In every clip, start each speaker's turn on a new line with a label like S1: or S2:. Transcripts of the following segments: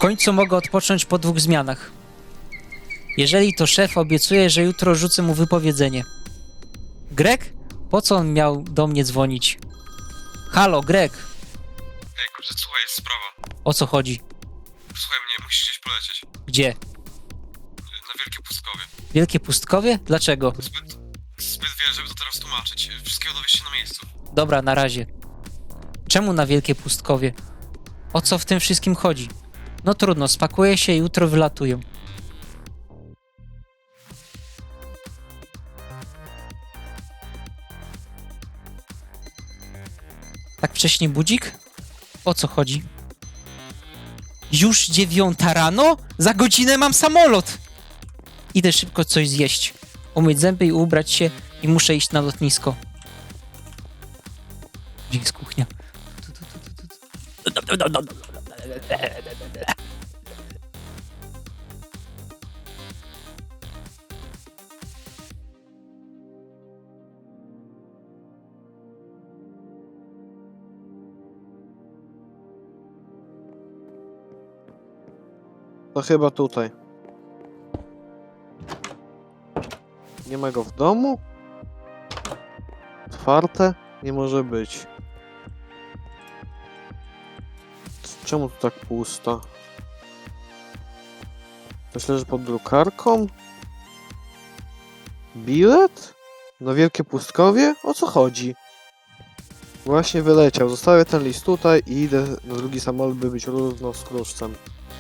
S1: końcu mogę odpocząć po 2 zmianach. Jeżeli to szef, obiecuję, że jutro rzucę mu wypowiedzenie. Greg? Po co on miał do mnie dzwonić? Halo, Greg.
S2: Ej, kurczę, słuchaj, jest sprawa.
S1: O co chodzi?
S2: Słuchaj mnie, musisz gdzieś polecieć.
S1: Gdzie?
S2: Na Wielkie Pustkowie.
S1: Wielkie Pustkowie? Dlaczego?
S2: Zbyt wiele, żeby to teraz tłumaczyć. Wszystkiego dowiesz się na miejscu.
S1: Dobra, na razie. Czemu na Wielkie Pustkowie? O co w tym wszystkim chodzi? No trudno, spakuję się i jutro wylatuję. Tak wcześnie budzik? O co chodzi? Już 9 rano? Za godzinę mam samolot! Idę szybko coś zjeść, umyć zęby i ubrać się i muszę iść na lotnisko. Gdzie jest kuchnia?
S3: To chyba tutaj. Nie ma go w domu? Otwarte? Nie może być. Czemu tu tak pusto? Ktoś leży pod drukarką? Bilet? Na Wielkie Pustkowie? O co chodzi? Właśnie wyleciał. Zostawię ten list tutaj i idę na drugi samolot, by być równo z kruszcem.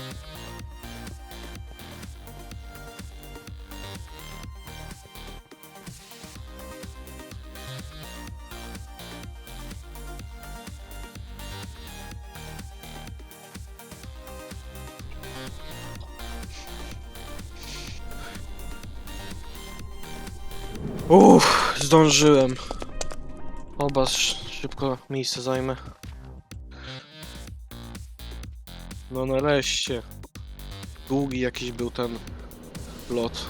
S3: Zdążyłem. Oba szybko miejsce zajmę. No nareszcie. Długi jakiś był ten lot.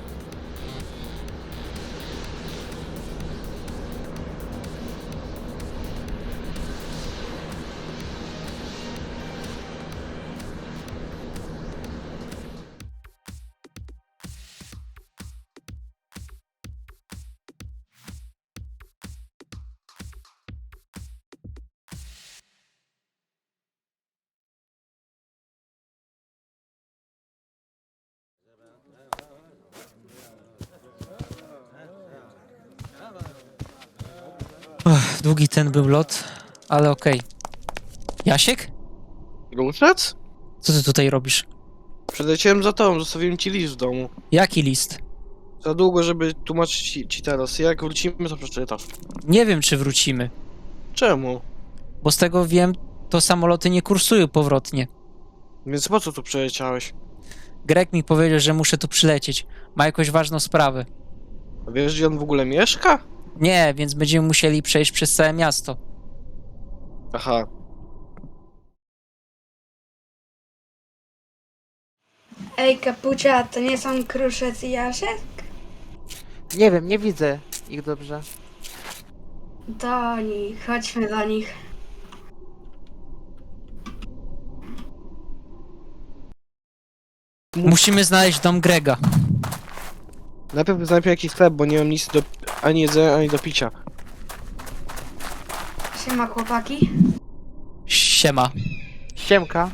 S1: Długi ten był lot, ale okej. Jasiek?
S3: Ruszec?
S1: Co ty tutaj robisz?
S3: Przeleciałem za tobą, zostawiłem ci list w domu.
S1: Jaki list?
S3: Za długo, żeby tłumaczyć ci teraz. Jak wrócimy, to przeczytasz.
S1: Nie wiem, czy wrócimy.
S3: Czemu?
S1: Bo z tego wiem, to samoloty nie kursują powrotnie.
S3: Więc po co tu przeleciałeś?
S1: Greg mi powiedział, że muszę tu przylecieć. Ma jakąś ważną sprawę.
S3: A wiesz, gdzie on w ogóle mieszka?
S1: Nie, więc będziemy musieli przejść przez całe miasto.
S3: Aha.
S4: Ej, Kapucia, to nie są Kruszec i Jasiek?
S5: Nie wiem, nie widzę ich dobrze.
S4: To oni, chodźmy do nich.
S1: Musimy znaleźć dom Grega.
S3: Najpierw znajdę jakiś sklep, bo nie mam nic do... ani jedzenia, ani do picia.
S4: Siema, chłopaki.
S1: Siema.
S5: Siemka.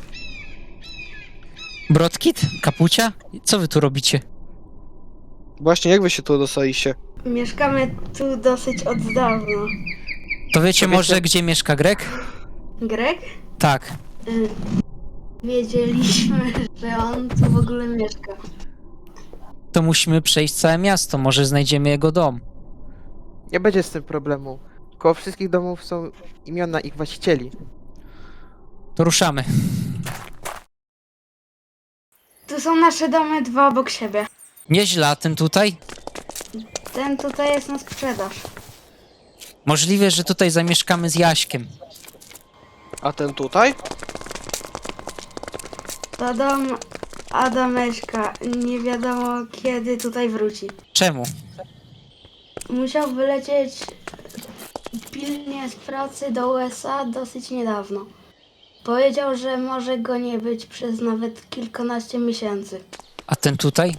S1: Brodkit? Kapucia? Co wy tu robicie?
S3: Właśnie, jak wy się tu dostaliście?
S4: Mieszkamy tu dosyć od dawna.
S1: To wiecie
S3: To wiecie-
S1: może, gdzie mieszka Greg?
S4: Greg?
S1: Tak.
S4: Wiedzieliśmy, że on tu w ogóle mieszka.
S1: To musimy przejść całe miasto, może znajdziemy jego dom.
S5: Nie będzie z tym problemu. Koło wszystkich domów są imiona ich właścicieli.
S1: To ruszamy.
S4: Tu są nasze domy, 2 obok siebie.
S1: Nieźle, a ten tutaj?
S4: Ten tutaj jest na sprzedaż.
S1: Możliwe, że tutaj zamieszkamy z Jaśkiem.
S3: A ten tutaj?
S4: To dom Adameczka. Nie wiadomo kiedy tutaj wróci.
S1: Czemu?
S4: Musiał wylecieć pilnie z pracy do USA dosyć niedawno. Powiedział, że może go nie być przez nawet kilkanaście miesięcy.
S1: A ten tutaj?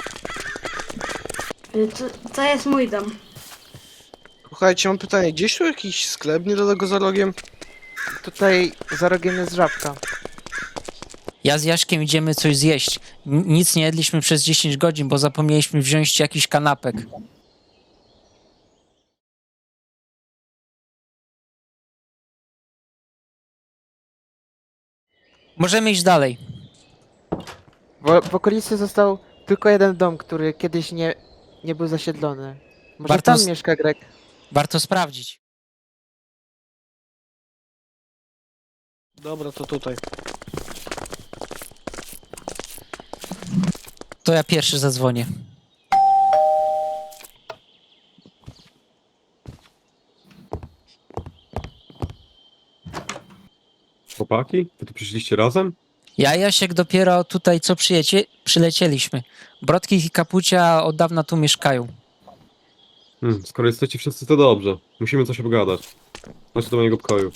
S4: To jest mój dom.
S3: Słuchajcie, mam pytanie, gdzieś tu jakiś sklep niedaleko za rogiem?
S5: Tutaj za rogiem jest żabka.
S1: Ja z Jaśkiem idziemy coś zjeść. Nic nie jedliśmy przez 10 godzin, bo zapomnieliśmy wziąć jakiś kanapek. Możemy iść dalej.
S5: W okolicy został tylko jeden dom, który kiedyś nie był zasiedlony. Może
S1: Warto
S5: tam
S1: s-
S5: mieszka Greg?
S1: Warto sprawdzić.
S3: Dobra, to tutaj.
S1: To ja pierwszy zadzwonię.
S2: Chłopaki? Wy tu przyszliście razem?
S1: Ja i Jasiek dopiero tutaj co przylecieliśmy. Brodki i Kapucia od dawna tu mieszkają.
S2: Skoro jesteście wszyscy, to dobrze. Musimy coś obgadać. Chodźcie do mojego pokoju.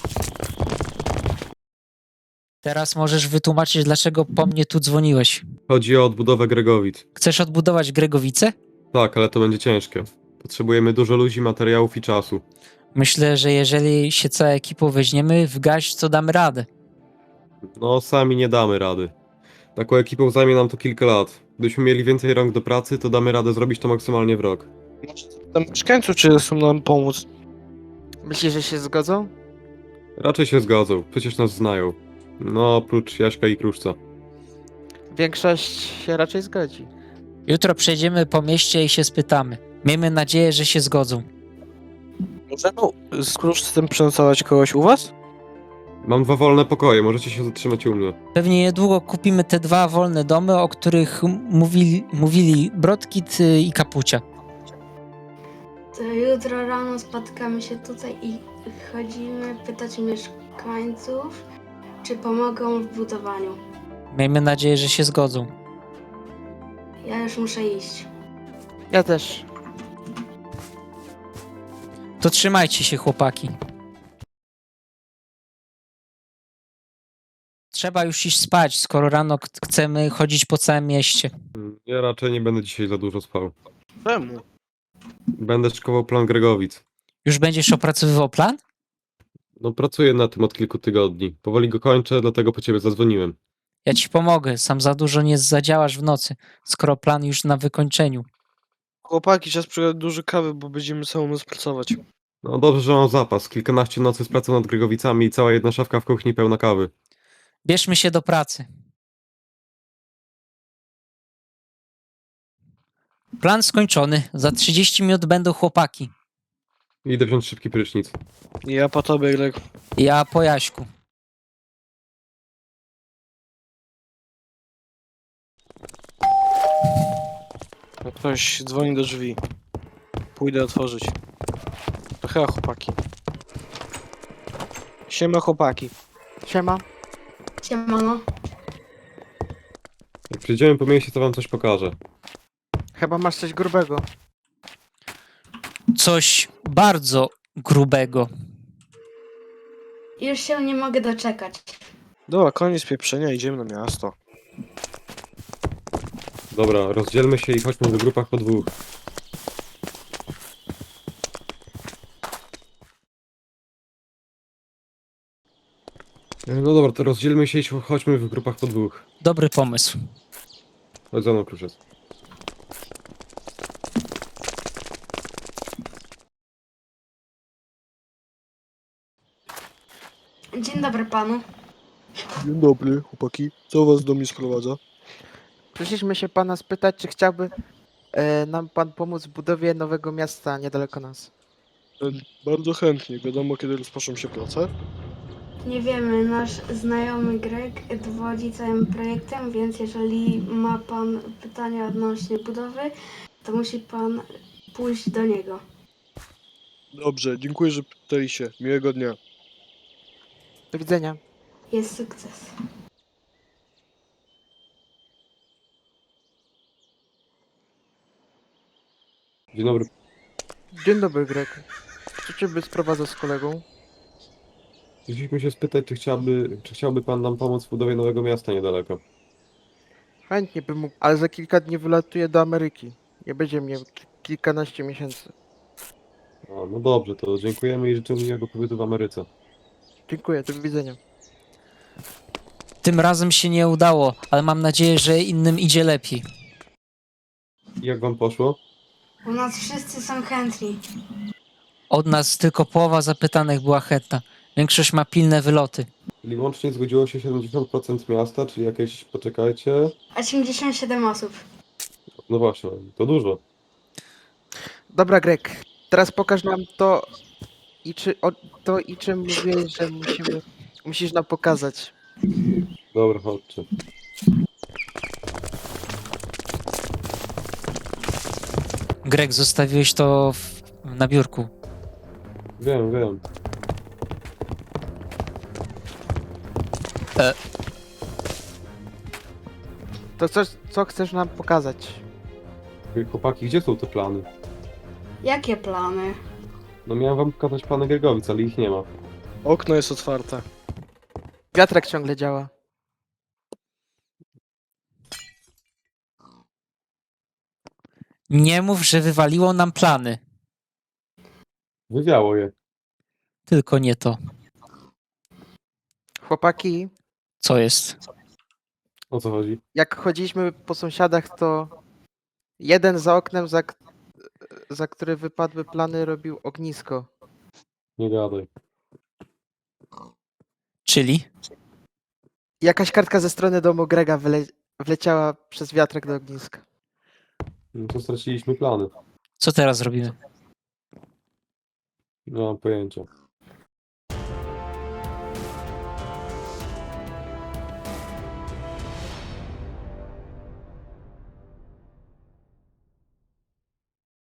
S1: Teraz możesz wytłumaczyć, dlaczego po mnie tu dzwoniłeś.
S2: Chodzi o odbudowę Gregowic.
S1: Chcesz odbudować Gregowice?
S2: Tak, ale to będzie ciężkie. Potrzebujemy dużo ludzi, materiałów i czasu.
S1: Myślę, że jeżeli się całą ekipą weźmiemy w garść, to damy radę.
S2: No, sami nie damy rady. Taką ekipą zajmie nam to kilka lat. Gdybyśmy mieli więcej rąk do pracy, to damy radę zrobić to maksymalnie w rok.
S3: Tam mieszkańców, czy chcą nam pomóc?
S5: Myślisz, że się zgodzą?
S2: Raczej się zgodzą, przecież nas znają. No, oprócz Jaśka i Kruszca.
S5: Większość się raczej zgodzi.
S1: Jutro przejdziemy po mieście i się spytamy. Miejmy nadzieję, że się zgodzą.
S3: Możemy z kruszcem przenocować kogoś u was?
S2: Mam 2 wolne pokoje, możecie się zatrzymać u mnie.
S1: Pewnie niedługo kupimy te 2 wolne domy, o których mówili Brodkit i Kapucia.
S4: To jutro rano spotkamy się tutaj i chodzimy pytać mieszkańców, czy pomogą w budowaniu.
S1: Miejmy nadzieję, że się zgodzą.
S4: Ja już muszę iść.
S5: Ja też.
S1: To trzymajcie się, chłopaki. Trzeba już iść spać, skoro rano chcemy chodzić po całym mieście.
S2: Ja raczej nie będę dzisiaj za dużo spał.
S3: Czemu?
S2: Będę szykował plan Gregowic.
S1: Już będziesz opracowywał plan?
S2: No, pracuję na tym od kilku tygodni. Powoli go kończę, dlatego po ciebie zadzwoniłem.
S1: Ja ci pomogę, sam za dużo nie zadziałasz w nocy, skoro plan już na wykończeniu.
S3: Chłopaki, czas przygotować dużo kawy, bo będziemy całą noc pracować.
S2: No dobrze, że mam zapas. Kilkanaście nocy z pracą nad Gregowicami i cała jedna szafka w kuchni pełna kawy.
S1: Bierzmy się do pracy. Plan skończony. Za 30 minut będą chłopaki.
S2: Idę wziąć szybki prysznic.
S3: Ja po tobie, Greg.
S1: Ja po Jaśku.
S3: Ktoś dzwoni do drzwi. Pójdę otworzyć. To chyba chłopaki. Siema chłopaki.
S5: Siema.
S4: Siemano.
S2: Jak przyjdziemy po mieście, to wam coś pokażę.
S5: Chyba masz coś grubego.
S1: Coś bardzo grubego.
S4: Już się nie mogę doczekać.
S3: Dobra, koniec pieprzenia, idziemy na miasto.
S2: Dobra, rozdzielmy się i chodźmy w grupach po 2. No dobra, to rozdzielmy się i chodźmy w grupach po 2.
S1: Dobry pomysł.
S2: Chodź za mną, Kruszec.
S4: Dzień dobry panu.
S3: Dzień dobry, chłopaki. Co was do mnie sprowadza?
S5: Przyszliśmy się pana spytać, czy chciałby nam pan pomóc w budowie nowego miasta niedaleko nas.
S3: Bardzo chętnie. Wiadomo, kiedy rozpoczną się prace?
S4: Nie wiemy, nasz znajomy Greg dowodzi całym projektem, więc jeżeli ma pan pytania odnośnie budowy, to musi pan pójść do niego.
S3: Dobrze, dziękuję, że pytaliście. Miłego dnia.
S5: Do widzenia.
S4: Jest sukces.
S2: Dzień dobry.
S5: Dzień dobry, Greg. Co ciebie sprowadzał z kolegą?
S2: Chcieliśmy się spytać, czy chciałby pan nam pomóc w budowie nowego miasta niedaleko.
S5: Chętnie bym mógł, ale za kilka dni wylatuję do Ameryki. Nie będzie mnie kilkanaście miesięcy.
S2: A, no dobrze, to dziękujemy i życzymy miłego pobytu w Ameryce.
S5: Dziękuję, do widzenia.
S1: Tym razem się nie udało, ale mam nadzieję, że innym idzie lepiej.
S2: I jak wam poszło?
S4: U nas wszyscy są chętni.
S1: Od nas tylko połowa zapytanych była chętna. Większość ma pilne wyloty.
S2: Czyli łącznie zgodziło się 70% miasta, czyli jakieś, poczekajcie,
S4: 87 osób.
S2: no właśnie, to dużo.
S5: Dobra, Greg, teraz pokaż nam to i czym mówiłeś, że musisz nam pokazać.
S2: Dobra, chodźcie.
S1: Greg, zostawiłeś to na biurku.
S2: Wiem, wiem.
S5: To co chcesz nam pokazać?
S2: Chłopaki, gdzie są te plany?
S4: Jakie plany?
S2: No miałem wam pokazać plany Giergowic, ale ich nie ma.
S3: Okno jest otwarte.
S5: Wiatrak ciągle działa.
S1: Nie mów, że wywaliło nam plany.
S2: Wywiało je.
S1: Tylko nie to.
S5: Chłopaki,
S1: Co jest?
S2: O co chodzi?
S5: jak chodziliśmy po sąsiadach, to jeden za oknem, za który wypadły plany, robił ognisko.
S2: Nie gadaj.
S1: Czyli?
S5: Jakaś kartka ze strony domu Grega wleciała przez wiatrak do ogniska.
S2: No to straciliśmy plany.
S1: Co teraz robimy?
S2: Nie mam pojęcia.